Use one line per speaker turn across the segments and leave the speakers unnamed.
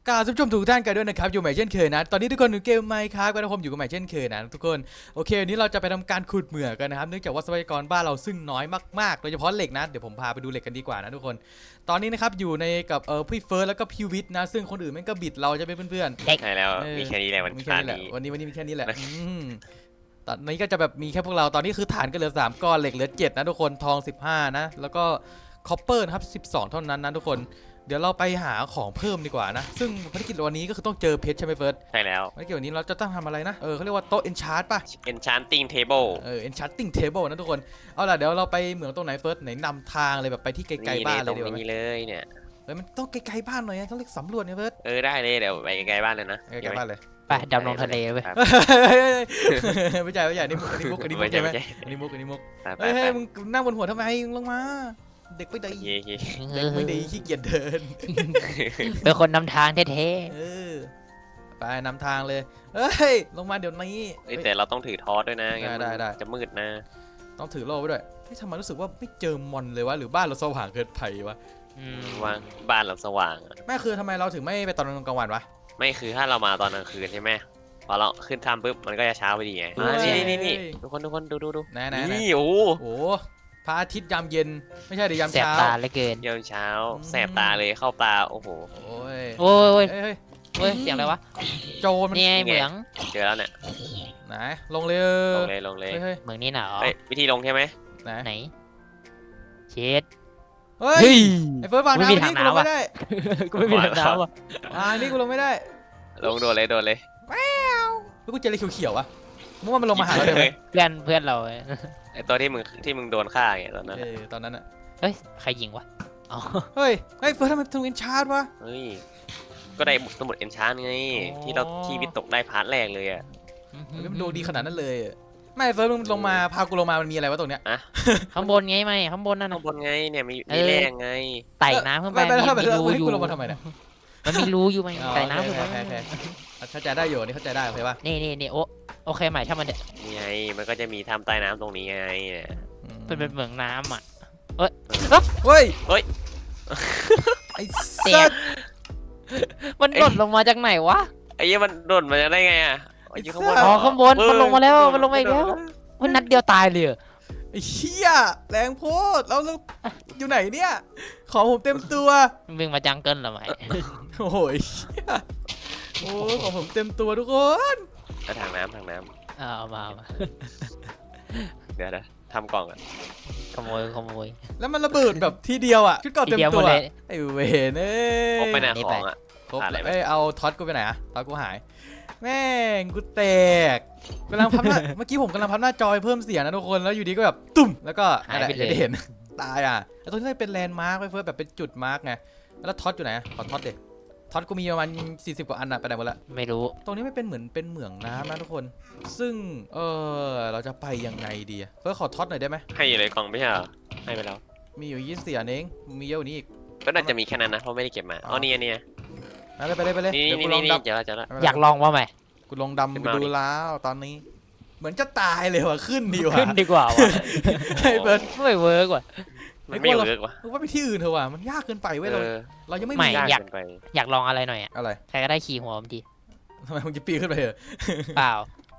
กราบทุกทุกท่านกันด้วยนะครับอยู่ใหม่เช่นเคยนะตอนนี้ทุกคนอยู่เกมไมค์ครับกันนะผมอยู่กับใหม่เช่นเคยนะทุกคนโอเควันนี้เราจะไปทำการขุดเหมืองกันนะครับเนื่องจากว่าทรัพยากรบ้านเราซึ่งน้อยมากๆโดยเฉพาะเหล็กนะเดี๋ยวผมพาไปดูเหล็กกันดีกว่านะทุกคนตอนนี้นะครับอยู่ในกับพี่เฟิร์สแล้วก็พี่วิทย์นะซึ่งคนอื่นแม่งก็บิดเราจะเป็นเพื่อน
ใช่แล้วมีแค่นี้แหละ
มีแค่นี้แหละวันนี้มีแค่นี้แหละตอนนี้ก็จะแบบมีแค่พวกเราตอนนี้คือฐานก็เหลือ3ก้อนเหล็กเหลือ7นะทุกคนทอง15นะแล้วก็คอปเปอร์นะครับ12เท่านั้นนะทุกคนเดี๋ยวเราไปหาของเพิ่มดีกว่านะซึ่งภารกิจวันนี้ก็คือต้องเจอเพชรใช่ไหมเฟิร์ส
ใช่แล้ว
ภารกิจวันนี้เราจะต้องทำอะไรนะเขาเรียกว่าโต๊ะ enchant ป่ะ
Enchanting Table
enchanting table นะทุกคนเอาล่ะเดี๋ยวเราไปเหมืองตรงไหนเฟิร์สไหนนำทางเลยแบบไปที่ไกลๆบ้านเลยดีกว่าไหม
นี่เลยเนี่ย
มันต้องไกลๆบ้านหน่อยต้องเรียกสำรวจเนี่ยเฟิร์ส
ได้เลยเดี๋ยวไปไกลบ้านเลยนะ
ไกลๆบ้านเลย
ไปดำลงทะเลเว้ย
ไม่ใช่นี่มุกใช่ไหมอันนี้มุกเฮ้ยมึงนั่งบนหัวทำไมลงมาเด็กไม่ดีเด็กไม่ดีขี้เกียจเดิน
เป็นคนนำทางเท่
ไปนำทางเลยเฮ้ยลงมาเดี๋ยวนี้
แต่เราต้องถือทอสด้วยนะ
ได้
จะมืดนะ
ต้องถือโล่ไว้ด้วยทำไมรู้สึกว่าไม่เจอมอนเลยวะหรือบ้านเราสว่างเกินไปวะ
ว่าบ้านเราสว่าง
แม่คือทำไมเราถึงไม่ไปตอนกลางวันวะ
ไม่คือถ้าเรามาตอนกลางคืนใช่ไหมพอเราขึ้นทำปุ๊บมันก็จะเช้าไปดีไงนี่ทุกคนดูนี่โอ้
พระอาทิตย์ยามเย็นไม่ใช่เดี๋ยวยาม
ๆแสบ
เช้า
ตาเหลือเกิน
ยามเช้าแสบตาเลยเข้าตาโอ้โห
โอ้ยเสียงอะไรวะ
โจรมัน
นี่ไงเหมือง
เจอแล้วเนี่ย
ไหนลงเลย
เหมืองนี่หนาว
วิธีลงใช่ไหม
ไหนเช็ด
เฮ้ยไอ้เฟิร์สวางน้ำนี่กูลงไม่ได้
กูไม่มีทางน้ำว่ะ
นี่กูลงไม่ได้
ลงโดนเลย
แล้วกูเจออะไรเขียวๆอ่ะมึงว่ามันลงมาหาเราได้ไหม
เพื่อนเรา
ไอตัวที่มึงโดนฆ่าไงตอนนั้น
ตอนนั้นอ่ะ
เฮ้ยใครยิงวะ
เฮ้ยเฟิร์สทำไมถึงเอ็นชาร์ดวะ
เฮ้ยก็ได้สมุดเอ็นชาร์ไงที่วิตกได้พาร์ทแรกเลยอ่ะ
มันดูดีขนาดนั้นเลยไม่เฟิร์สมึงลงมาพากูลงมามันมีอะไรวะตรงเนี้ย
ข้างบนไงไหมข้างบนนั่น
ข้างบนไงเนี่ยมีแรงไง
ไต่น้ำขึ้นไปมีรูอยู่
ลงมาทำไมเนี่ย
มันมีรูอยู่ไหมไต่น้ำขึ้นไป
เข้าใจได้อยู่นี่เข้าใจได้โอเคป่ะ
นี่โอเคใหม่ถ้ามันเนี่ย
นี่ไงมันก็จะมีทำใต้น้ำตรงนี้ไง
เป็นเหมืองน้ำอ่ะ
เฮ้ยไอ้สัตว์
มันหล่นลงมาจากไหนวะ
ไอ้ยี่มันโดดมาได้ไงอ่ะ
ข้างบนมันลงมาแล้วมันลงมาอีกแล้วมันนัดเดียวตายเลย
ไอ้เหี้ยแรงโพดเราอยู่ไหนเนี่ยของผมเต็มตัว
วิ่งมาจังเกิลหรอไหม
โอ้ยของผมเต็มตัวทุกคน
ถังน้ำ
เอามา
เดี๋ยวทำกล่องอ่ะ
ขโมย
แล้วมันระเบิดแบบทีเดียวอ่ะชุดเก่าเต็มตัวไอ้เวน
ครบไปไหนของอ่ะ
ครบเอาท็อตกูไปไหนอะท็อตกูหายแม่งกูแตกกำลังพับหน้าเมื่อกี้ผมกำลังพับหน้าจอยเพิ่มเสียงนะทุกคนแล้วอยู่ดีก็แบบตุ่มแล้วก็อะไรจะเห็นตายอ่ะแล้วตรงนี้เป็นแลนด์มาร์กไว้เพื่อแบบเป็นจุดมาร์กไงแล้วท็อตอยู่ไหนขอท็อตเด็กท็อตกูมีประมาณ40กว่าอันอะไปไหนหมดละ
ไม่รู้
ตรงนี้ไม่เป็นเหมือนเป็นเหมืองน้ำนะทุกคนซึ่งเราจะไปยังไงดีเพื่อขอท็อตหน่อยได้ไหม
ให้อยู่ในกล่องไม่ใช่เหรอให้ไปแล้ว
มีอยู่20อันเองมีเยอะกว่านี้อีก
ก็น่าจะมีแค่นั้นนะเพราะไม่ได้เก็บมาอ๋อนี่
ไปเลย
นี่
อยากลองว่าไหม
กูลองดำไปดูแล้วตอนนี้เหมือนจะตายเลยว่ะขึ้นดีว่ะไอ้เบิร์ด
ไม่เวิร์กว่ะ
ไม่เวิร์กว่ะ
ว่าไปที่อื่นเถอะว่ะมันยากเกินไปเว้ยเรายังไม่มี
อยากลองอะไรหน่อย
อะไร
ใครก็ได้ขี่หัวผมที
ทำไมมึงจะปีนขึ้นไปเหรอ
เปล่า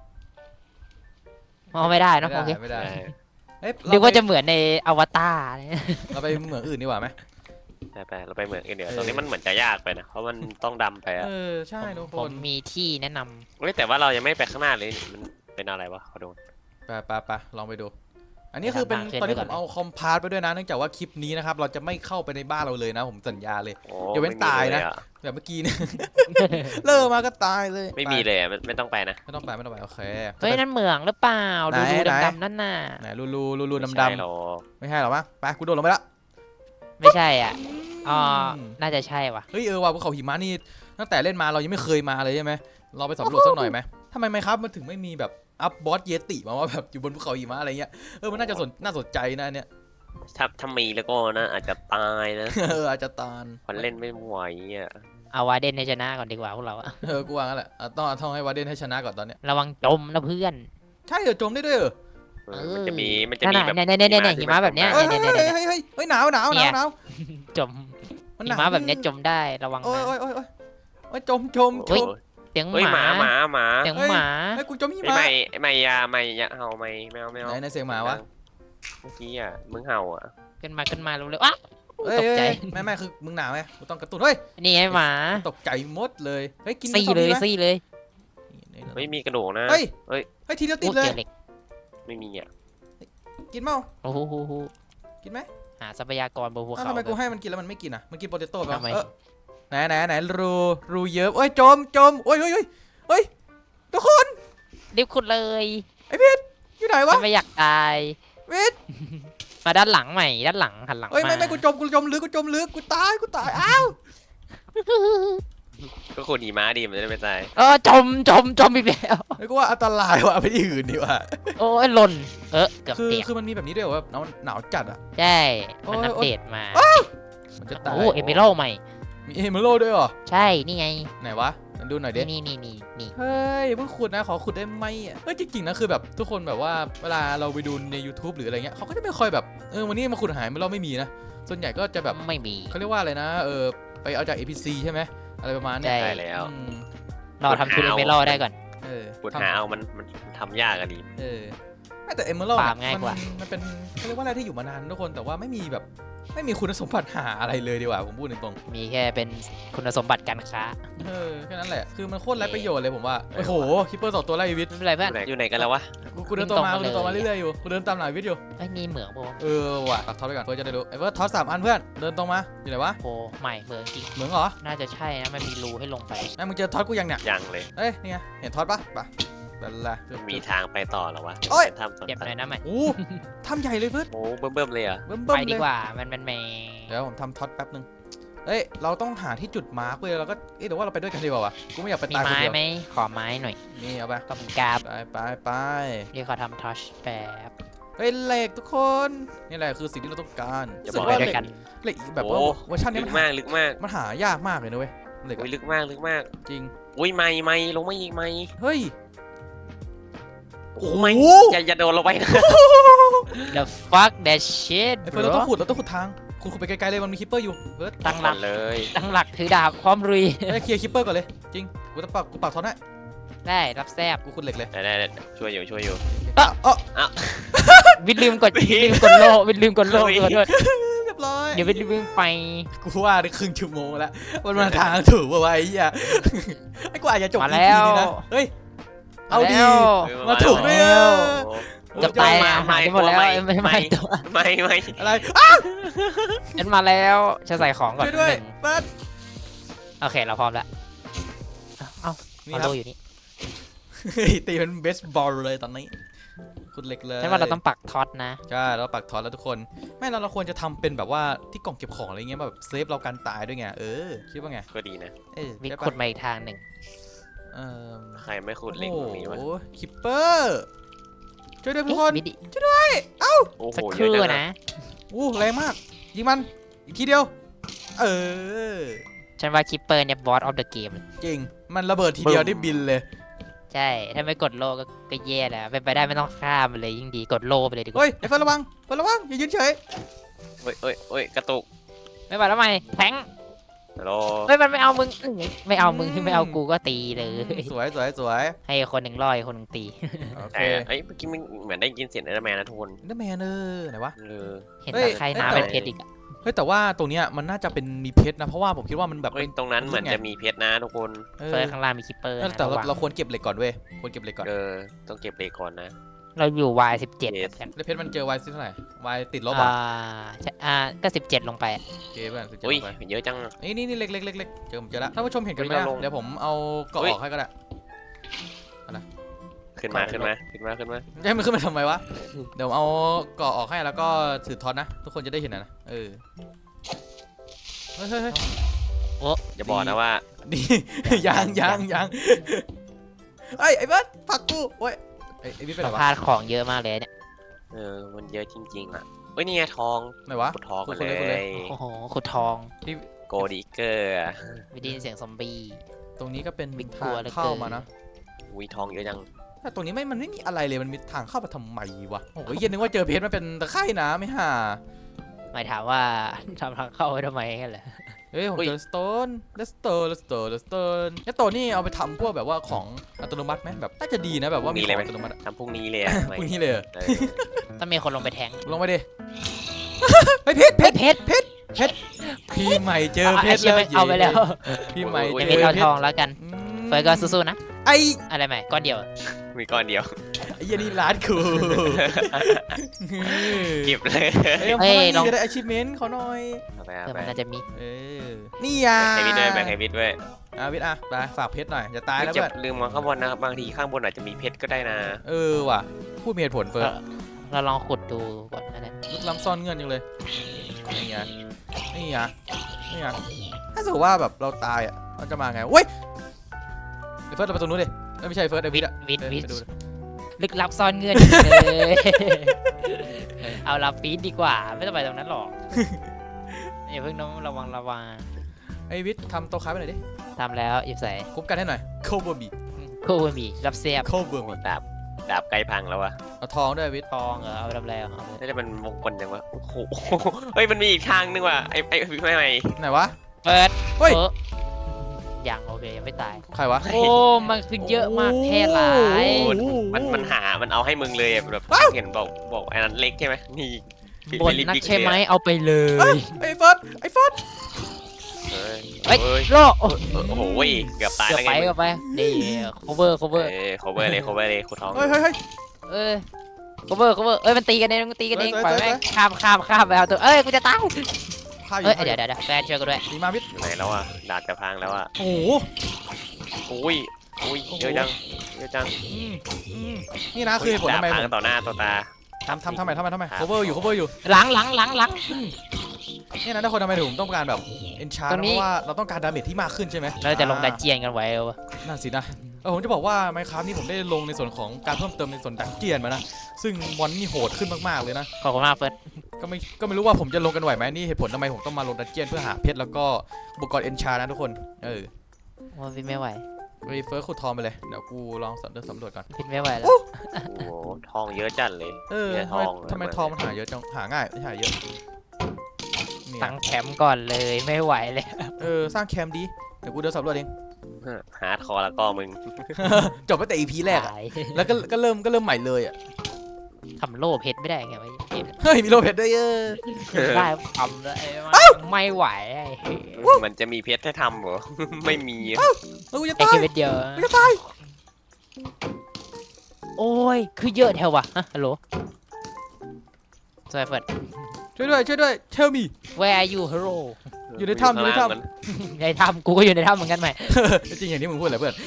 ไม่ได้นะโอเค
ไม่ได้
นึกว่าจะเหมือนในอวตาร
เราไปเหมืองอื่นดีกว่าไหม
ไปเราไปเหมืองอื่นเดี๋ยวตรงนี้มันเหมือนจะยากไปนะเพราะมันต้องดำไปอ่ะ
ใช่ทุกคน
ผมมีที่แนะน
ำเฮ้ยแต่ว่าเรายังไม่ไปข้างหน้าเลยมันเป็นอะไรวะขอดู
ไปลองไปดูอันนี้คือเป็นตอนนี้ผมเอาคอมพาสไปด้วยนะเนื่องจากว่าคลิปนี้นะครับเราจะไม่เข้าไปในบ้านเราเลยนะผมสัญญาเลยอย่าเว้นตายนะแบบเมื่อกี้เนี่ยเลิกมาก็ตายเลย
ไม่มีเลยไม่ต้องไปนะ
ไม่ต้องไปโอเค
เฮ้ยนั่นเหมืองหรือเปล่าดูดำๆนั่นน่ะ
ไหนรูดำไม่ใช่หรอวะไปกูโดดลงไปละ
ไม่ใช่อ่ะน่าจะใช่ว่ะ
เฮ้ยว่ะภูเขาหิมะนี่ตั้งแต่เล่นมาเรายังไม่เคยมาเลยใช่ไหมเราไปสำรวจสักหน่อยไหมทำไมครับมันถึงไม่มีแบบอัพบอสเยติมาว่าแบบอยู่บนภูเขาหิมะอะไรเงี้ยมันน่าสนใจนะเนี่ย
ถ้ามีแล้วก็นะอาจจะตายนะ
อาจจะตาย
คนเล่นไม่ไหวอ่ะ
เอาวาเดนให้ชนะก่อนดีกว่าพวกเรา
กูว่างั้นแหละต้องให้วาเดนให้ชนะก่อนตอนเนี้ย
ระวังจมนะเพื่อน
ใช่เหรอจมได้ด้วยเหรอ
มันจะมีแบบ
เนี่ยหิมะแบบเนี้ย
เฮ้ยหนาว
จมหิมะแบบเนี้ยจมได้ระวังนะ
โอ้ยจม
โอ้ย
เสียง
เฮ้ย
ห
ห
มา
มา
เสียงหมา
ไอ้ยกูจมหิ
ไม่
มะ
ไม่อย่าเห่าไม่เอา
ไหนเสียงหมาวะ
เมื่อกี้อ่ะมึงเห่าอ่ะ
ขึ้นมาเร็วๆอ่ะ
เฮ้ย
ตกใจ
ไม่คือมึงหนาวไงกูต้องกระตุ้นเฮ้ย
นี่ไงหมา
ตกใจหมดเลยเฮ้ยกิน
ซี่เลยซี่เลย
ไม่มีกระดูกนะ
เฮ้ย
เฮ้ย
เฮ้ยทีเดียวติ
โอ้
ดเลย
เจอเหล็ก
ไม่มีอ่ะ
กินเมา
โอ้โห
กินไหม
หาทรัพยากรบนภู
อ้าว
เขา
ทำไมกูให้มันกินแล้วมันไม่กินอ่ะมันกินโปเตโต้ไป
ทำไม
ไหนรูเยอะเอ้ยจมโอ้ยทุกคน
รีบขุดเลย
อยู่ไหนวะ
ฉันไม่อยากตาย
เวิท
มาด้านหลังใหม่ด้านหลังหันหลัง
เฮ้ย
มา
ไม่กูจมลึกกูตายอ้าว
ก็ขุดหิมะดีมันจะได้ไม่ตาย
จมอีกแล้ว
ไอ้กูว่าอันตรายว่ะไปที่อื่นดีกว่า
โอ้ยหล่นเกือบ
คือ
เตียก
คือมันมีแบบนี้ด้วยเหรอว่าหนาวจัดอ่ะ
ใช่มัน
โอ้ย
อัปเดตมา
มันจะตาย
โอ้เอเมอรัลด์ใหม่
มีเอเมอรัลด์ด้วยเหรอ
ใช่นี่ไง
ไหนวะมันดูหน่อยดิ
นี่
เฮ้ยเพิ่งขุดนะขอขุดได้ไหมอ่ะเฮ้ยจริงๆนะคือแบบทุกคนแบบว่าเวลาเราไปดูใน YouTube หรืออะไรเงี้ยเขาก็จะไม่ค่อยแบบวันนี้มาขุดหายเราไม่มีนะส่วนใหญ่ก็จะแบบ
ไม่มี
เขาเรียกว่าอะไรนะไปเอาจาก APC ใช่ไหมอะไรประมาณเนี้ย
ใช่
ได้แล้ว
อืม
รอทำชุดเอเมอรัลด์ได้ก่อน
ขุดหาเอามันทำยากอะดี
ไม่แต่เอเมอรัลด์
ฟาร์มง่ายกว่า
มันเป็นเขาเรียกว่าอะไรที่อยู่มานานทุกคนแต่ว่าไม่มีแบบไม่มีคุณสมบัติหาอะไรเลยดีกว่าผมพูดตรง
มีแค่เป็นคุณสมบัติการค้า
ๆแค่นั้นแหละคือมันโคตรไร้ประโยชน์เลยผมว่าโอ้โหคิปเปอร์2 ตัวไล่วิท
ไม่เป็นไรเพื่อน
อยู่ไหนกันแล้ววะ
กูเดินต่อมา
ตรงมาเลย
เรื่อยๆอยู่กูเดินตามหลังวิทอยู่
ไอ้นี่เหมืองโบ
ว่ะตัดท็อปไปก่อนเพื่อจะได้รู้ไอ้เพื่อท็อป3 อันเพื่อนเดินตรงมาอยู่ไหนวะ
โบใหม่เหมืองจริง
เหมืองเหรอ
น่าจะใช่นะมันมีรูให้ลงไป
ไอ้มึงเจอท็อปกูยังเนี่ย
ยังเลย
เอ้ยนี่ไงเห็นท็อปปะไปนั่นแหละ
มีทางไปต่อเหรอวะ
โอ้ย
เป็นทำสวน
เก็บ
สัต
หน่อย
ว์
นะใหม่
โอ้ทำใหญ่เลยเพื่อน
โอ้เบิ่มเลยเหรอ่ะ
เบิ่ม
ไป
ๆ
ดี
เลย
กว่ามันแม
เดี๋ยวผมทำท็อปแป๊บนึงเอ้ยเราต้องหาที่จุดมาร์กเว้ยเราก็เดี๋ยวว่าเราไปด้วยกันดีกว่าวะกูไม่อยากไป
มี
ตายคน
ไม้
เดียว
ไหมขอไม้หน่อย
นี่เอาไป
ขอบคุณกราบ
ไป
เรียกเขาทำทัชแป๊บ
เฮ้ยเหล็กทุกคนนี่แหละคือสิ่งที่เราต้องการ
อย่า
รู้สึ
บอก
กว่า
ไป
เห
ด้
ล็
วย
ก
กัน
เหล็กแบบว่า
โอ้
เวอร์ชันนี้
ลึ
มันหาม
กากลึกมาก
มันหายากมากเลยนะเว้ยเหล็ก
อุ้ย
อะ
ลึกมาก
จริง
อุ้ยไม่ลงไม่อีกไม่
เฮ้ย
โอ้ไม่อย่าโดนลงไปนะ
The fuck that shit
ไอ้เฟิร์นเราต้องขุดทางขุดไปไกลๆเลยมันมีคิปเปอร์อยู่เฟิร์ส
ตั้งหลัก
เลย
ตั้งหลักถือดาบพร้อมรุย
เฮ้ยเคลียร์คิปเปอร์ก่อนเลยจริงกูปักท็อตให้
ได้รับแซบ
กูขุดเหล็กเลย
ได้ช่วยอยู่
อ๋อ
วิดลืมกดโลวิดลืมกดโล
เฮ้ย
ขอโทษ
เรียบร้อย
เดี๋ยววิดลืมไป
กูว่าได้ครึ่งชั่วโมงแล้วมันมาทางถูกป่าวะไอ้เหี้ยไอ้กูอาจจะจบ
มา
EP
แล้ว
นี้นะเฮ้ยเอาดี
แล้ว
มาถูกด้วย
แล้ว
โอ้
จะตาย
มา
หายไปหมดแล้วไม่ตัว
ไม่
อะไร
ฉันมาแล้วจะใส่ของก่อน
ช่วยด้วย
หนึ่ง
เปิด
โอเคเราพร้อมแล้วเอ้า
นี่
เอา
ครั
โล
บ
อยู่นี่
เฮ้ยตีเป็นเบสบอลเลยตอนนี้ขุดเหล็กเลย
ฉันว่าเราต้องปักท็อตนะ
ใช่เราปักท็อตแล้วทุกคนไม่เราควรจะทำเป็นแบบว่าที่กล่องเก็บของอะไรเงี้ยแบบเซฟเราการตายด้วยไงคิดว่าไง
ก็ดีนะ
วิด
ใช่ปะ
ขุดมาอีกทางหนึ่ง
เออ
ใครไม่ขุดเหล็กตรงนี้วะ
โอ้โหคิปเปอร์ช่วยด้วยทุกคน
วิดดิ
โอ้โห
สักค
เยอะ
รู่
จัง
นะ
อู้แรงมากยิงมันอีกทีเดียวเออ
ฉันว่าคิปเปอร์เนี่ยบอสออฟเดอะเกม
จริงมันระเบิดทีเดียวได้บินเลย
ใช่ถ้าไม่กดโลก็แย่แล้วเป็นไปได้ไม่ต้องฆ่ามันเลยยิ่งดีกดโลไปเลยดีกว่า
เฮ้ยไอ้เฟิร์นระวังอย่ายืนเฉย
เฮ้ยกระตุก
ไม่ไหวแล้วไหมแทง
ฮัลโหล
เฮ้ยมันไม่เอามึงไม่เอามึงไม่เอากูก็ตีเลย
สวย
ให้คนหนึ่งร้อยคนหนึ่งตี
โอเค
แต่เอ้ยเมื่อกี้มันเหมือนได้ยินเสียงเอเดอร์แมนนะทุกคน
เดอร์แมนไหนวะ
เออ
เห็น
เฮ้ย
ตะไคร่น้ำเป็นเพชรอีกอะ
เฮ้ยแต่ว่าตรงเนี้ยมันน่าจะเป็นมีเพชรนะเพราะว่าผมคิดว่ามันแบบ
เฮ้ยตรงนั้นเหมือนจะมีเพชรนะทุกคน
เอ
เฟิ
อ
ร์สข้างล่างมีคิปเปอร์นะ
แต่
ระวัง
เราควรเก็บเหล็กก่อนเว้ยควรเก็บเหล็กก่อน
ต้องเก็บเหล็กก่อนนะ
เราอยู่ Y17
เจ็ด
กัน
แล้วเพชรมันเจอไวซิเท่าไหร่ไวติดลบ
อ่า
อ่ะ
ใช่ก็17ลงไปอะ
โอเคเพื่อน17
อุ้ย
ลงไป
เยอะจัง
นี่เล็กเจอแล้วท่านผู้ชมเห็นกันไหม
เฮ้ย
อะ
เราลง
เดี๋ยวผมเอาเกาะ
เฮ้ย
ออกให้ก็ได้
ขึ้นมา
ขึ้นมา จะให้มันขึ้นมาทำไมวะ เดี๋ยวเอาเกาะออกให้แล้วก็ถือท็อตนะ ทุกคนจะได้เห็นนะเฮ้ย
อย่าบอกนะว่า
ดี ยังไอ้เบิร์ดผักกูโอ้ยไอ้บิ๊กเป็น
เรา
ไร
พ
วะ
ลาดของเยอะมากเลยเนี่ย
มันเยอะจริงๆอ่ะเฮ้ยนี่ไงทอง
ไหนวะ
ขุดทองกัน
ขุด
เล
เลย
ย
โอ้โหขุดทอง
โกดิเกอร์
ไม่ได้ยินเสียงซอมบี้
ตรงนี้ก็เป็น
บิ๊ก
ทาง
กลัวเหลือเกิน
เข้ามานะ
วิทองเยอะจัง
แต่ตรงนี้มันไม่มีอะไรเลยมันมีทางเข้ามาทำไมวะโอ้ยเย็นนึกว่าเจอเพชรมันเป็นตะไคร่น้ำไม่ห่า
หมายถามว่าทำทางเข้าไว้ทำไมกันเหรอ
เฮ้ยผมเจอสโตนเลสเตอร์นี่เอาไปทำพวกแบบว่าของอัตโนมัติไหมแบบน่าจะดีนะแบบว่ามีของอัตโนมัติ
ทำพรุ่งนี้เลยอะ
พวกนี้เลย
ต้องมีคนลงไปแทง
ลงไปดิเฮ้ยเพชรพี่ใหม่เจอเพชรแล้ว
เอาไปแล้ว
พี่ใหม่
จะ
เจ
มี
อ
เอา
เพ
ท
ช
อ
รง
แล้วกันเฟิร์สก็สู้ๆนะ
ไอ้
อะไรใหม่ก้อนเดียว
มีก้อนเดียว
ไอ้ยันนี่ร้านกู
เก็บเลย
เฮ้ยลองจะได้ achievement เขาหน่อย
เอาไป
เอ
เอา
อ
ไป
มันน่าจะมี
นี่อ่ะ
แบ่งให้วิทย์ด้วยแบ่งให้วิทย์ด้วย
วิทย์อ่ะไปฝากเพชรหน่อยจะตายแล้ว
จะ
เพื่อน
ลืมมองข้างบนนะบางทีข้างบนอาจจะมีเพชรก็ได้นะ
ว่ะพูดมีเหตุผลเฟิร์ส
เราลองขุดดูก่อนนั่นแหละ
ลึกล้ำซ่อนเงื่อนจังเลยนี่ไงถ้าสมมติว่าแบบเราตายอ่ะเราจะมาไงเว้ยเฟิร์สเราไปตรงนู้นดิไม่ใช่เฟิร์สไอวิทย์อ่ะ
วิท
ไปดู
ลึกลับซ่อนเงื่อนเลย เอาลาฟีดดีกว่าไม่ต้องไปตรงนั้นหรอกอย่าเพิ่งน้องระวัง
ไอวิทย์ทำโต๊ะค้าไปหน่อยดิ
ทำแล้วหยิบใส่
คุ้มกันให้หน่อยโคเบอร์บี
คู่บะหมี่รับเสียบ
โคเบอร์บี
ดาบใกล้พังแล้ววะ
เอาทองด้วยวิทย์
ทองเหรอเอาไปทำอะไรเอาไป
น่าจะเป็นมงคลจังวะโอ้โหเฮ้ยมันมีอีกทางนึงว่ะไอ้ไม่
ไหนวะ
เปิด
เฮ้ย
ยังโอเคยังไม่ตาย
ใครวะ
โอ้มันคือเยอะมากแค่หลาย
มันเอาให้มึงเลยแบบเห็นบอกไอ้นั้นเล็กใช่ไหมนี่
บนนักใช่ไหมเอาไปเลย
ไอเฟิร์ส
เฮ้ย
เฮ้ย
เฮ้ย
โล
โอ้โหเกือบตาย
เกือบ
แล้วไง
ไปเกือบไปนี่ cover
โคเวอร์เลยคุณทอง
เฮ้ย
เอ้ย cover เอ้ยมันตีกันเองมันตีกันเอง
สวย
ปล่อย
สวย
แม่งข้ามไปเอาตัวเอ้ยกูจะตาย
ฆ่าอยู่
เอ้ยเดี๋ยวแฟนช่วยกูด้วย
ดีมาวิทย์
ไหนแล้วอ่ะดาบจะพังแล้วอ่ะ
โอ้โห
อุ้ยเยอะจัง
นี่นะคือเหตุผลทำไม
ดาบ
ผ
พั
ม
งต่อหน้าต่อตา
ทำไม cover อยู่
หลัง
เนี่ยนะทุกคนทำไมถึงผมต้องการแบบ enchant
ตรงนี้
เพราะว่าเราต้องการดาเมจที่มากขึ้นใช่ไหม
เราจะลงดันเจียนกันไว้วะ
นั่นสินะผมจะบอกว่า Minecraft นี่ผมได้ลงในส่วนของการเพิ่มเติมในส่วนดันเจียนมานะซึ่งมอนนี่โหดขึ้นมากๆเลยนะ
ขอบคุณมากเฟิร์ส
ก็ไม่รู้ว่าผมจะลงกันไหวไหมนี่เหตุผลทำไมผมต้องมาลงดันเจียนเพื่อหาเพชรแล้วก็อุปกรณ์ enchant นะทุกคน
ว่าพี่ไม่ไหว
เฟิร์สขุดทองไปเลยเดี๋ยวกูลองสำรวจก่อน
พี่ไม่ไหวแล้ว
โอ้โหทองเยอะจัดเลย เนี่ยทอง
ทำไมทองมันหาเยอะจังหาง่ายไม่หาเยอะนี่
ตั้งแคมป์ก่อนเลยไม่ไหวเลย
สร้างแคมป์ดีเดี๋ยวกูเดินสำรวจเอง
ฮาร์ดคอร์แล้วก็มึง
จบตั้งแต่ EP แรกอะ
ตาย
แล้วก็เริ่มใหม่เลยอ่ะ
ทำโล่เพชรไม่ได้ไงวะเกม
เฮ้ยมีโลเพชรด้วย
ได้ทำแล้วไม่ไหว
มันจะมีเพชรให้ทำเหรอ ไม่มี
กูจะ
ไอ้
ตาย
แค่เม็ดเดียว
กูจะตาย
โอ้ยคือเยอะแถววะฮัลโหลสวัสดีเฟิร์ส
ช่วยด้วย tell me
Where are you hero
อยู่ในถ้ำ
ในถ้ำกูก็อยู่ในถ้ำเหมือนกันไหม
จริงอย่างที่มึงพูดแหละเพื่อน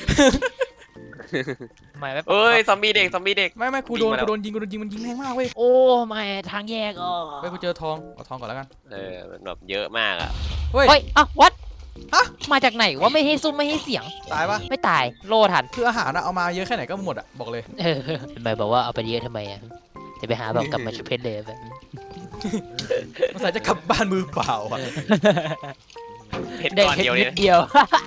ไม่
เอ้ยซอมบี้เด็ก
ไม่กูโดนยิงมันยิงแรงมากเว้ย
โอ้ไม่ทางแยกอ๋อ
กูเจอทองเอาทองก่อนแล้วกัน
มันแบบเยอะมากอ่ะ
เฮ้ย
เฮ้ยอ่ะวัด
ฮะ
มาจากไหนวะไม่ให้ซุ้มไม่ให้เสียง
ตายปะ
ไม่ตายโลทัน
คืออาหารเอามาเยอะแค่ไหนก็หมดอ่ะบอกเลย
ทำไมบอกว่าเอาไปเยอะทำไมอ่ะจะไปหาแบบกลับมาชุบเพชรเลยแบบ
มันใส่จะกลับบ้านมือเปล่าอ่ะ
เพชรก้อนเดียวเนี่ย
เดียว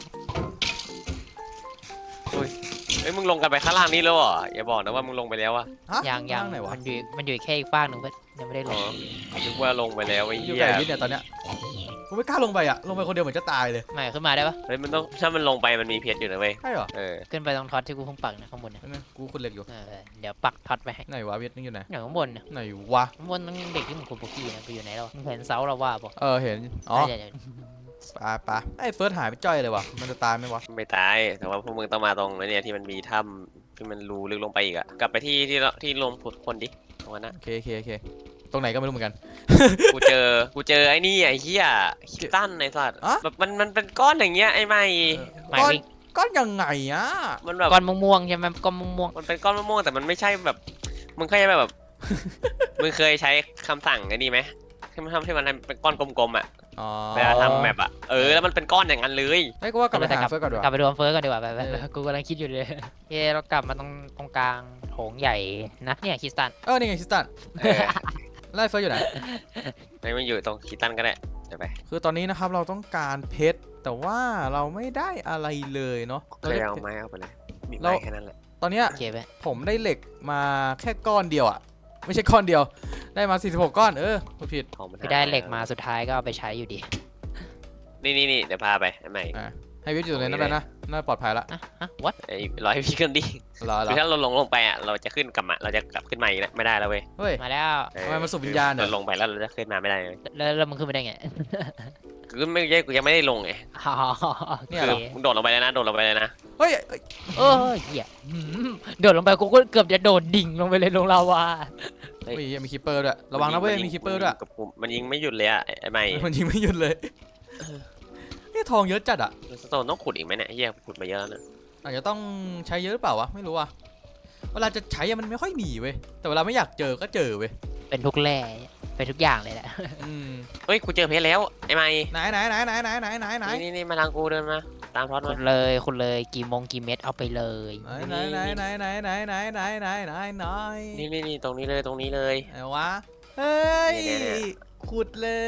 เฮ้ยมึงลงกันไปข้างล่างนี่แล้วเหรออย่าบอกนะว่ามึงลงไปแล้วอะ
ฮะ
ยัง
ไหนวะ
มันอยู่แค่อีกฟากหนึ่งเพื่อนยังไม่ได้ล
อ๋อง นึกว่าลงไปแล้วไอ้
อยู่
เหี้ย
กับวิทย์เนี่ยตอนเนี้ยกูไม่กล้าลงไปอ่ะลงไปคนเดียวเหมือนจะตายเลย
ไม่ขึ้นมาได้ปะ
เฮ้ยมันต้องถ้ามันลงไปมันมีเพชรอยู่นะเว้ย
ใช่เหรอ
ขึ้นไปตรงท็อตที่กูเพิ่งปักนะข้างบนนะ
นั่นกูขุดเหล็กอยู่
เดี๋ยวปักท็อตไปให้
ไหนวะวิทย์นี่อยู่ไหน
อย่างข้างบนนะ
ไหนวะ
ข้างบนนั่งเด็กที่มึงคุยโปกี้นะไปอยู่ไหนแล้วมึงเห็นเสาเราว่าปะ
เห็นอ๋อ
เดี๋ยว
ปะไอ้เฟิร์สหายไปจ้อยเลยวะมันจะตายไหมวะ
ไม่ตายแต่ว่าพวกมึงต้องมาตรงไอ้เนี่ยที่มันมีถ้ำที่มันรูลึกลงไปอีกอะกลับไปที่ลงผุดคนดิตรงนั้นนะ
โอเคตรงไหนก็ไม่รู้เหมือนกัน
กูเจอไอ้นี่ไอ้เหี้ยคิตตันไอ้สัตว์
อะ
แบบมันเป็นก้อนอย่างเงี้ยไอ้ไม่
หมาย
ก้อน
วิ่ง
ก้อนยังไงอ่ะ
มันแบบ
ก้อนม่วงๆใช่ไหมก้อนม่วง
มันเป็นก้อนมะม่วงแต่มันไม่ใช่แบบมึงเคยแบบ มึงเคยใช้คำสั่งไอ้นี่ไหมที่มันทำที่มันเป็นก้อนกลมๆอ่ะ
อ๋อ
เวลาทำแมปอ่ะแล้วมันเป็นก้อนอย่างนั้นเลย
ไอ้กูว่ากลับไปหาเฟิร์สก่อนดีก
กลับ
ว่า
ไปดูอันเฟิร์สก่อนดีกว่าไปกูกำลังคิดอยู่เลยโอเคเรากลับมาตรงกลางโถงใหญ่นะเนี่ยคริสตัน
นี่ไงคิสตันไล่เฟิร์สอยู่ไหน
ไม่มันอยู่ตรงคิตตันก็ได้เดี๋ยวไป
คือตอนนี้นะครับเราต้องการเพชรแต่ว่าเราไม่ได้อะไรเลยเนาะ
เคยเอาไม้เอาไปเลยมีไม้แค่นั้นแหละ
ตอนเนี้ย
โอเคไหม
ผมได้เหล็กมาแค่ก้อนเดียวอ่ะไม่ใช่ก้อนเดียวได้มา46ก้อนพูดผิด
ของมัน
พี่ได้เหล็กมาสุดท้ายก็เอาไปใช้อยู่ดี
นี่เดี๋ยวพาไปใหม่
ให้วิทย์อยู่ตรงนั้นนะน่าปลอดภัยละ
what
ไอ้ร้อยพี่ขึ้นดิ
รอ
คือถ้าเราลงไปอ่ะเราจะขึ้นกลับมาเราจะกลับขึ้นมาอีกไม่ได้แล้วเว้ย
เฮ้ย
มาแล้ว
เออ
ทำไมมันสูบวิญญาณเหรอ
เราลงไปแล้วเราจะขึ้นมาไม่ได้เลย
แล้วมึงขึ้นไปได้ไง
คือไม่ใช่กูยังไม่ได้ลงไง
อ๋อ
เนี่ย
คื
เหร
อ
อ
มึงโดดลงไปเลยนะโดดลงไปเลยนะ
เฮ้ย
เออเหี้ยโดดลงไปกูก็เกือบจะโดดดิ่งลงไปเลยลงลาวา
เฮ้ยมีคิปเปอร์ด้วยระวังนะเว้ยมีคิปเปอร์ด้วย
กับกูมันยิงไม่หยุดเลยอ่ะไอ้ไม่
มันยิงไม่หยุดเลยนี่ทองเยอะจัดอ่ะ
สโตนต้องขุดอีกไหมเนี่ยเฮียขุดมาเยอะแล้วนะ
อาจจะต้องใช้เยอะหรือเปล่าวะไม่รู้ว่ะเวลาจะใช้มันไม่ค่อยมีเว้ยแต่เวลาไม่อยากเจอก็เจอเว้ย
เป็นทุกแร่เป็นทุกอย่างเลยแหละ
เฮ้ยกูเจอเพชรแล้วไอ้ไม่
ไหน
นี่มาทางกูเดินมาตามทอด
คุ
มา
ณเลยคุณเลยกี่เม็ดเอาไปเลย
ไหน
นี่ตรงนี้เลย
ไหนวะเฮ้ย
เนี่ย
ขุดเลย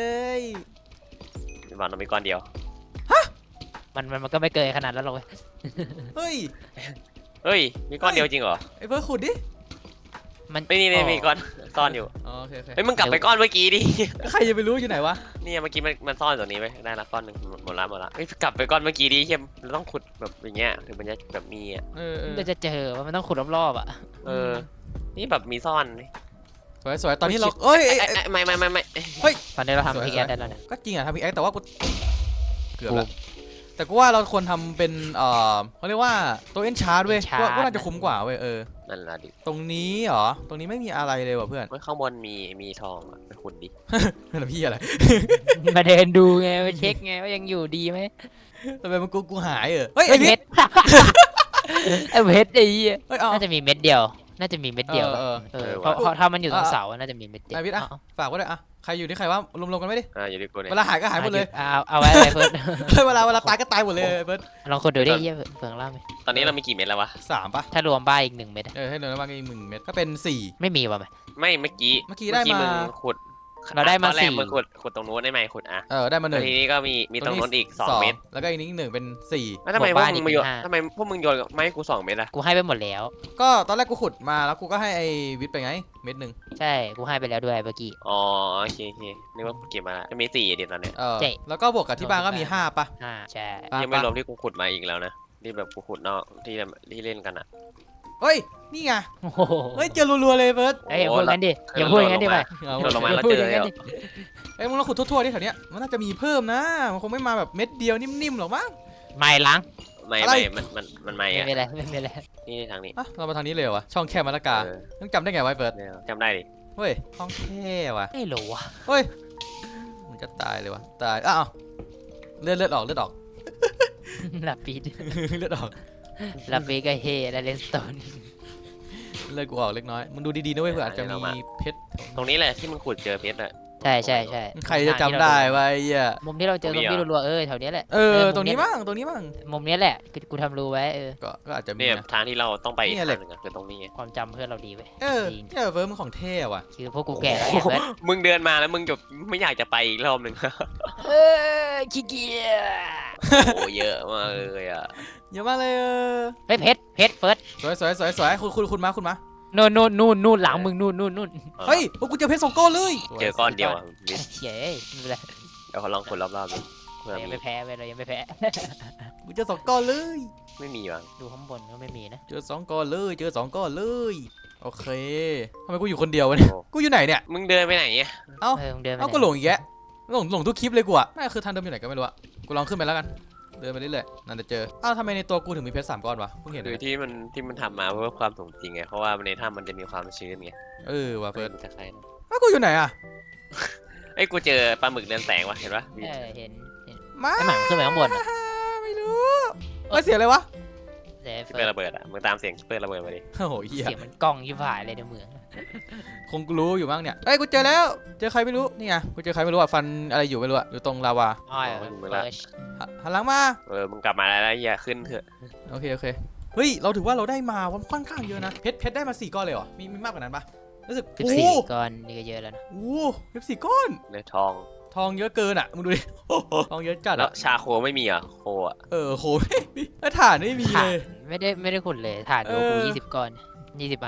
บอลเรามีก้อนเดียว
มันก็ไม่เกินขนาดนั้นหรอกเว้ย
เฮ้ย
เฮ้ยมีก้อนเดียวจริงเหรอ
ไอ้เพื่อขุดดิ
มัน
นี่มีก้อนซ่อนอยู่
โอเค
เฮ้ยมึงกลับไปก้อนเมื่อกี้ดิ
ใครจะไปรู้อยู่ไหนวะ
นี่เมื่อกี้มันซ่อนตรงนี้ไว้ได้ละก้อนหนึ่งหมดละเฮ้ยกลับไปก้อนเมื่อกี้ดิเฮียเราต้องขุดแบบอย่างเงี้ยถึงมันจะแบบมีอ่ะ
มันจะเจอว่ามันต้องขุดรอบๆอ่ะ
นี่แบบมีซ่อน
สวยตอนนี้เราเอ้ย
ไม่
ตอนนี้เราทำพิกแอดได้แล้วเนี่ย
ก็จริงอะทำพิกแอคแต่ว่ากูเกือบละแต่กูว่าเราควรทำเป็นเขาเรียกว่าตัวเอ็นชาร์ดเว้ยว่าน่าจะคุ้มกว่าเว้ย
นั่นละดิ
ตรงนี้เหรอตรงนี้ไม่มีอะไรเลยว่ะเพื่อน
เฮ้ยข้างบนมีทองอ่ะไปขุดดิ
นั่นพี่อะไร
มาเดินดูไงมาเช็คไงว่ายังอยู่ดีไหม
ทำไมมันกูหายเฮ้ยไอ้
เพ
เพ
ช
ช
ร
ร
ไอ้เพชรไอ้เหี้ย
เฮ้ยเอา
น่าจะมีเม็ดเดียวเพราะถ้ามันอยู่ตรงเสาน่าจะมีเม็ดเดียว
ไอ้พิษฝากไว้ด้วยใครอยู่ที่ใครว่ารวมๆกันไม่ดิ
อยู่ดิกูเนี่ย
เวลาหายก็หายหมดเลย
เอาไว้อะไรเพิ่น
เวลาตายก็ตายหมดเลยเพิร์ด
ลองคนดูดิเหี้ยเฟืองล่าไหม
ตอนนี้เรามีกี่เม็ดแล้ววะ
3ปะ
ถ้ารวมบ้าอีก1 เม็ด
ให้เดินมาอีก1 เม็ดก็เป็น4
ไม่มีว่ะไหม
ไม่เมื่อกี้
ได้มา
มึงขุด
เราได้มา
ตอนแรก
สี่
มึงขุดตรงนู้นได้ไหมขุดอ่ะ
ได้มา
แล้วทีนี้ก็มีตรงนู้นอีก2 เม็ด
แล้วก็อีกนิด1เป็น4
แล้วทำไมพวกมึงมาโยนทำไมพวกมึงโยนไม่ให้กู2 เม็ดอะ
กูให้ไปหมดแล้ว
ก็ตอนแรกกูขุดมาแล้วกูก็ให้ไอ้วิทย์ไปไงเม็ด 1
ใช่กูให้ไปแล้วด้วยเมื่อกี้
อ๋อโอเคนึกว่ากูเก็บมาจะมี4เดี๋ยวตอนเนี้ย
ใช่
แล้วก็บวกกับที่บ้านก็มี5ปะ
ใช่
ยังไม่รวมที่กูขุดมาอีกแล้วนะที่แบบกูขุดนอกที่เล่นกันอะ
เฮ้ยนี่ไง
โอ้โห
เฮ้ยเจอรัวๆเลยเพิร์ด
อย่าพูดงั้นดิอย่าพูดงั้นดิไป
เราลงมาแล้ว
พูด
เจ
อ
อย่าง
นั้น
แล้ว
ดิ
มึงลองขุดทั่วๆดิแถวเนี้ยมันน่าจะมีเพิ่มนะมันคงไม่มาแบบเม็ดเดียวนิ่มๆหรอกมั้ง
ไม่ล้าง
ไม่มันไม่
ไม่
อะ
เป็นไรไม่เป็นไร
นี่ทางนี้
เรามาทางนี้เลยเหรอวะช่องแคบมะละกาต้องจำได้ไงไว้เพิร์ด
จำได้ดิ
เฮ้ยช่องแคบว่ะ
ไม่รู้ว่ะ
เฮ้ยมันจะตายเลยวะตายอ้าวเลือดออก
ลาปีด
เลือดออก
ลาปีดก็เฮและเลนสโตน
เลือดกูออกเล็กน้อยมึงดูดีๆนะเว้ยเผื่ออาจจะมีเพชร
ตรงนี้แหละที่มึงขุดเจอเพชรอะ
ใช่
ใครจะจำได้วะไอ้เหี้ย
มุมที่เราเจอซอมบี้รัวๆแถวเนี้ยแหละ
ตรงนี้บ้าง
มุมเนี้ยแหละกูทำรูไว้
ก็อาจจะมี
เนี่ย
นะ
ทางที่เราต้องไปอีก
เนี่ย
ทาง
แหละ
หนึงอะคือตรงนี้ไง
ความจำเพื่อนเราดีเว้ย
เนี่ยเฟิร์มมันของเท่ว่ะ
คือพวกกูแก่แล้วไงเพื่อน
มึงเดินมาแล้วมึงจะไม่อยากจะไปอีกรอบหนึ่ง
ขี้เกียจ
โอ้เยอะมากเลยอ่ะ
เยอะมากเลย
เฮ้ยเพชรเฟิร์ส
สวยคุณมา
นู่นหลังมึงนู่น
เฮ้ยกูเจอเพชร2 ก้อนเลย
เจอก้อนเดียวอะ
เฮ้ยไม่เป็นไร
เดี๋ยวเขาลองขุดรอบๆดูเผื่อ
เรายัง
มี
ไม่แพ้เว้ยเรายังไม่แพ้
กูเจอ2 ก้อนเลย
ไม่มีวะ
ดูข้างบนก็ไม่มีนะ
เจอ2 ก้อนเลยโอเคทำไมกูอยู่คนเดียววะเนี่ยกูอยู่ไหนเนี่ย
มึงเดินไปไหนเนี่ย
มึงเดินไป
ก็หลงอีกแยะหลงทุกคลิปเลยกูอ่ะน่าคือทางเดิมอยู่ไหนก็ไม่รู้อ่ะกูลองขึ้นไปแล้วกันเดินไปเรื่อยๆนั่นจะเจอทำไมในตัวกูถึงมีเพชร3 ก้อนวะเพิ่งเห็น
คือ
เลย
ที่มันทำมาเพื่อความสมจริงไงเพราะว่าในถ้ำมันจะมีความชื้นไง
ว่ะเฟิร์ส
มันจะคล้ายนะ
กูอยู่ไหนอ่ะ
เอ้ยกูเจอปลาหมึกเรืองแสงว่ะเห็นปะ
เห็น
มา
ไอหมาขึ้นไปข้างบน
ไม่รู้เสียอะไรวะ
เสีย
คิปเปอร์ระเบิดอ่ะมึงตามเสียงคิปเปอร์ระเบิดมาดิ
โอ้โหเหี้ย
เสียงมันกล้องยิ่งผ่ายเลยในเมือง
คงรู้อยู่บ้างเนี่ยกูเจอแล้วเจอใครไม่รู้นี่ไงกูเจอใครไม่รู้อ่ะฟันอะไรอยู่ไม่รู้อ่ะอยู่ตรงลาวา
อ้อยเฟิร์ส
หันหลังมา
มึงกลับมาแล้วอย่าขึ้นเถอะ
โอเคเฮ้ยเราถือว่าเราได้มาค่อนข้างเยอะนะเพชรได้มา4 ก้อนเลยเหรอมีมากกว่านั้นปะรู้สึก
14 ก้อนนี่ก็เยอะแล้วนะ
เพชร4 ก้อน
ในทอง
ทองเยอะเกินอ่ะมึงดูดิ ทองเยอะจัด
แล้ว
อ่ะ
ชาโคไม่มีอ่ะโคอ่ะ
โหไม่มีถ่านไม่มี
ถ่า
เล
น
ย
ไม่ได้ขุดเลยถ่านดูกู20 ก้อน20 อัน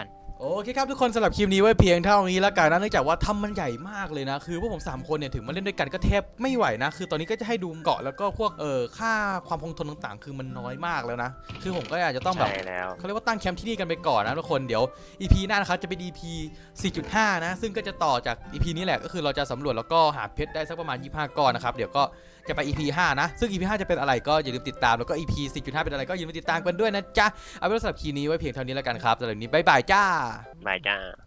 โอเคครับทุกคนสำหรับคลิปนี้ไว้เพียงเท่านี้แล้วกันนะเนื่องจากว่าถ้ำมันใหญ่มากเลยนะคือพวกผม3คนเนี่ยถึงมาเล่นด้วยกันก็แทบไม่ไหวนะคือตอนนี้ก็จะให้ดูเกาะแล้วก็พวกค่าความคงทนต่างๆ คือมันน้อยมากแล้วนะคือผมก็อาจจะต้องแบบ
ใช่แล้ว
เขาเรียกว่าตั้งแคมป์ที่นี่กันไปก่อนนะทุกคนเดี๋ยว EP หน้านะครับจะเป็น EP 4.5 นะซึ่งก็จะต่อจาก EP นี้แหละก็คือเราจะสำรวจแล้วก็หาเพชรได้สักประมาณ25ก้อนนะครับเดี๋ยวก็จะไป EP 5 นะซึ่ง EP 5 จะเป็นอะไรก็อย่าลืมติดตามแล้วก็ EP 4.5 เป็นอะไรก็อย่าลืมติดตามกันด้วยนะจ๊ะเอาเป็นว่าสำหรับคลิปนี้ไว้เพียงเท่านี้แล้วกันครับสำหรับวันนี้บ๊ายบายจ้า
บายจ้า